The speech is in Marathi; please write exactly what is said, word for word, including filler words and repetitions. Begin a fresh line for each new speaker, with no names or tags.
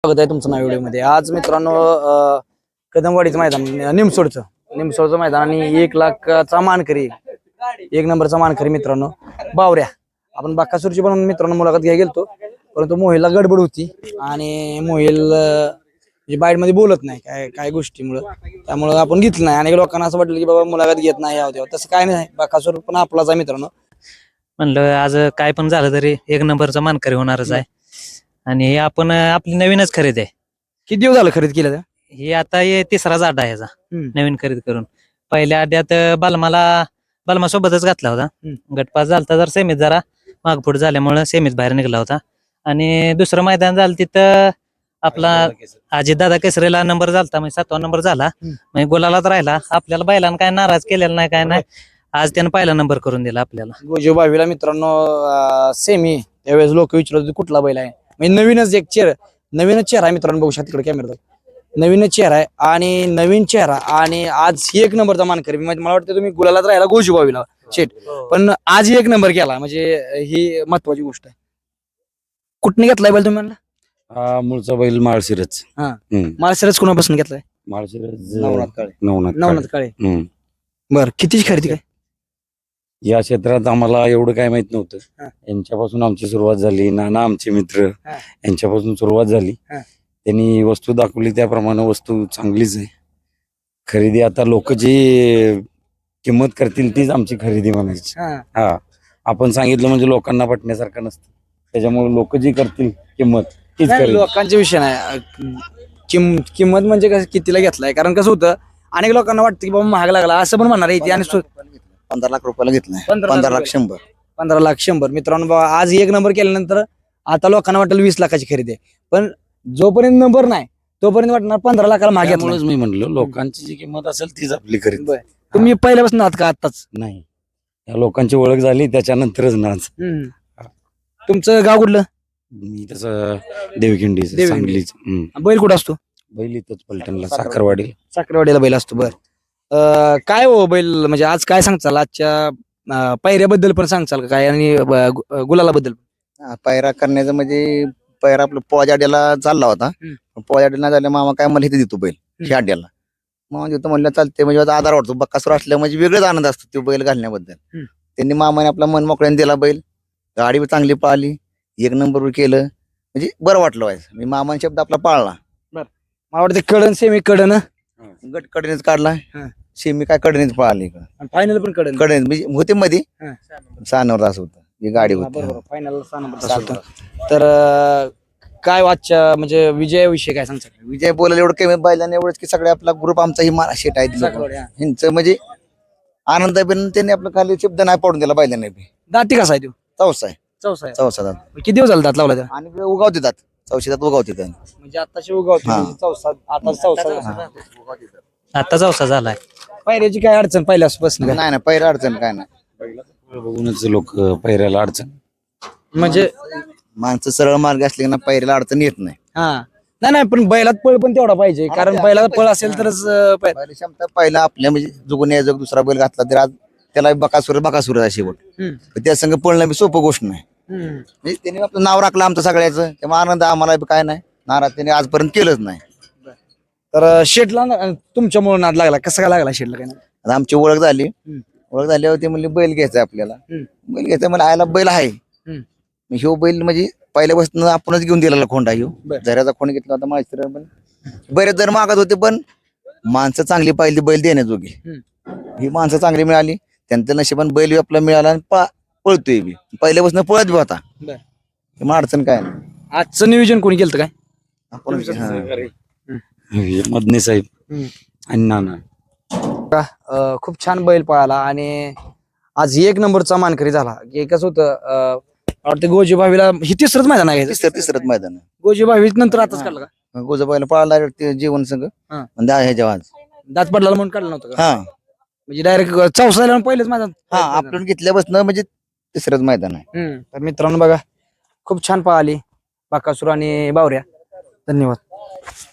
स्वागत आहे तुमचं नाव व्हिडिओ मध्ये। आज मित्रांनो कदमवाडीचं मैदान, निमसोडचं निमसोडचं मैदान आणि एक लाखचा मानकरी, एक नंबरचा मानकरी मित्रांनो बावऱ्या। आपण बाकासूरची पण मित्रांनो मुलाखत घ्यायला गेलतो, परंतु मोहिलला गडबड होती आणि मोहिल बाईट मध्ये बोलत नाही काय काय गोष्टीमुळे, त्यामुळे आपण घेतलं नाही। आणि लोकांना असं वाटलं की बाबा मुलाखत घेत नाही यावं तेव्हा, तसं काय नाही। बाकासूर पण आपलाच आहे मित्रांनो।
म्हणलं आज काय पण झालं तरी एक नंबरचा मानकरी होणारच आहे। आणि हे आपण आपली नवीनच खरेदी आहे।
किती दिवस झालं खरेदी केलं?
हे आता हे तिसराच अड्डा आहे याचा नवीन खरेदी करून। पहिल्या अड्ड्यात बलमाला बलमा सोबतच घातला होता, गटपास झालता, जर सेमीत जरा मागपुढे झाल्यामुळे सेमीत बाहेर निघाला होता। आणि दुसरं मैदान झालं तिथं आपला अजितदादा केसरीला नंबर झालता, म्हणजे सातवा नंबर झाला, म्हणजे गोलालाच राहिला। आपल्याला बैलांना काय नाराज केलेला नाही, काय नाही। आज त्यानं पहिला नंबर करून दिला आपल्याला।
गोजो बावीला मित्रांनो सेमी, त्यावेळेस लोक विचारत होते कुठला बैल आहे, म्हणजे नवीनच एक चेहरा, नवीनच चेहरा आहे मित्रांनो। बघू शकता तिकडे कॅमेरा, नवीनच चेहरा आहे आणि नवीन चेहरा, आणि आज एक नंबरचा मानकरी। म्हणजे मला वाटतं तुम्ही गुलालात राहिला गोजू बावीला शेट, पण आज एक नंबर केला, म्हणजे ही महत्वाची गोष्ट आहे। कुठने घेतलाय बैल तुम्ही?
हा मूळचा बैल माळशिरच।
हा, माळशिरस कोणापासून घेतलाय?
माळशिरस
नवनाथ काळे।
नवनाथ
नवनाथ काळे।
हम्म.
बर, कितीची खरेदी काय?
या क्षेत्रात आम्हाला एवढं काय माहित नव्हतं,
हा.
यांच्यापासून आमची सुरुवात झाली। नाना आमचे मित्र,
हा.
यांच्यापासून सुरुवात झाली।
हा.
त्यांनी वस्तू दाखवली, त्याप्रमाणे वस्तू चांगलीच आहे। खरेदी आता लोक जी किंमत करतील तीच आमची खरेदी म्हणायची।
हा,
हा, आपण सांगितलं म्हणजे लोकांना पटण्यासारखं नसतं, त्याच्यामुळे लोक जी करतील किंमत तीच
नाही,
खरेदी।
लोकांचा विषय नाही, किम किंमत म्हणजे कसं कितीला घेतलाय, कारण कसं होतं अनेक लोकांना वाटतं की बाबा महाग लागला असं पण म्हणणार आहे। आणि
पंधरा लाख रुपयाला घेतलाय,
पंधरा
पंधरा
लाख
लाख शंभर
पंधरा लाख शंभर मित्रांनो। बाबा आज एक नंबर केल्यानंतर आता लोकांना वाटेल वीस लाखाची खरेदी आहे, पण जोपर्यंत नंबर नाही तोपर्यंत वाटणार पंधरा लाखाला महाग घेतलाय।
त्यामुळेच मी म्हणलो लोकांची जी किंमत असेल तीच आपली खरेदी।
बरं, तुम्ही पहिल्यापासून आहात का आताच?
नाही, या लोकांची ओळख झाली त्याच्यानंतरच नाच।
तुमचं गाव कुठलं?
मी तसं देवखिंडी
देवखिंडी.
सांगलीच।
बैल कुठं असतो?
बैल इथंच पलटणला साखरवाडी।
साखरवाडीला बैल असतो। बर, काय हो बैल म्हणजे आज काय सांगचाल आजच्या अं, पायऱ्याबद्दल पण सांगचाल का काय, आणि ब- गुलाला बद्दल?
हा, पायरा करण्याचं म्हणजे पायरा आपलं पोजाड्याला चालला होता, पोजाड्याला झाल्या मामा काय मला इथे देतो बैल ह्या अड्ड्याला, मामा देतो म्हणलं चालते, म्हणजे आता आधार वाटतो। बक्कासूर असल्या म्हणजे वेगळाच आनंद असतो तो बैल घालण्याबद्दल। त्यांनी मामाने आपला मन मोकळ्याने दिला बैल, गाडी बी चांगली पाळली, एक नंबर केलं, म्हणजे बरं वाटलं व्हायचं। मी मामान शब्द आपला पाळला।
मला वाटतं कडन सेमी कडन
गट कडेनेच काढला,
हा.
शेमी काय कडेनेच पाळली,
फायनल पण कडन
कडेने म्हणजे होते मध्ये
हा.
सहा नंबर असं होतं, ही गाडी होती।
बरोबर, फायनल तर अं, काय आजच्या म्हणजे विजयाविषयी काय सांगता?
विजय बोलायला एवढं कमी बैलांना एवढंच की सगळे आपला ग्रुप आमचा ही मारा शेट आहे
साखरवाडी, हा.
ह्यांचं म्हणजे आनंद आहे, पण त्यांनी आपलं खाली शब्द नाही पडून दिला बैलांना बी।
दाती कसा आहे तो?
चौसा आहे,
चौसा आहे।
चौसा दात,
किती दिवस झाले दात लावला त्याला?
आणि उगाव देतात चौशी दात, उगाव देतात।
म्हणजे आताशी उगावते,
हा.
म्हणजे चौसा, आता चौसा।
आता चौसा झालाय।
पायऱ्याची काय अडचण पहिल्यापासून काय?
नाही नाही पहिला अडचण काय नाही,
बघूनच लोक पैऱ्याला अडचण।
म्हणजे
माणसं सरळ मार्ग असले ना पहिल्याला अडचण येत नाही।
हा, नाही नाही, पण बैलात पळ पण तेवढा पाहिजे, कारण बैलात पळ असेल तरच अं, पै-
पहिली क्षमता पहिला आपल्या म्हणजे जुगून यायचं, दुसरा बैल घातला तर आज त्याला बकासूर बकासूर आहे शेवट,
हम्म.
पण त्या संघ पळणं बी सोपं गोष्ट नाही।
हम्म.
म्हणजे त्यांनी आपलं नाव राखलं आमचं सगळ्याचं, तेव्हा आनंद आम्हाला बी काय नाही, नाराज त्यांनी आजपर्यंत केलंच नाही।
तर शेटला तुमच्यामुळे नाद लागला, कसं काय लागला शेटला काय?
आता आमची ओळख झाली, ओळख झाल्यावर ते म्हणले बैल घ्यायचा आपल्याला, बैल घ्यायचा मला आयला बैल आहे। मग ह्यो बैल म्हणजे पहिल्यापासून आपणच घेऊन दिलेला खोंडा, ह्यो झऱ्याचा खोंड घेतला होता माहिती, पण बरेच जण मागत होते, पण माणसं चांगली पाहिली बैल देण्याजोगी, ही माणसं चांगली मिळाली, त्यांचं नशिबान बैल बी आपला मिळाला आणि पा- पळतोय बी, पहिल्यापासून पळत बी होता, मग अडचण काय नाही।
आजचं नियोजन कोणी केलं काय?
आपण
मदने साहेब आणि नाना।
अं, खूप छान बैल पळाला आणि आज एक नंबरचा मानकरी झाला। की कसं होतं अं, मला वाटतं गोजी भावीला ही तिसरंच मैदान आहे,
तिसरं तिसरंच मैदान
गोजी भावी नंतर आताच काढलं का?
गोजाबाईला पळाला ते जीवन संघ
हा.
म्हणजे ह्याच्या आज
दात पडला म्हणून काढलं नव्हतं का?
हा
म्हणजे डायरेक्ट चौसा पहिलेच मैदान?
हा आपण घेतल्यापासून म्हणजे तिसरंच मैदान आहे।
हम्म. तर मित्रांनो बघा, खूप छान पळाली बाकासूर आणि बावऱ्या। धन्यवाद।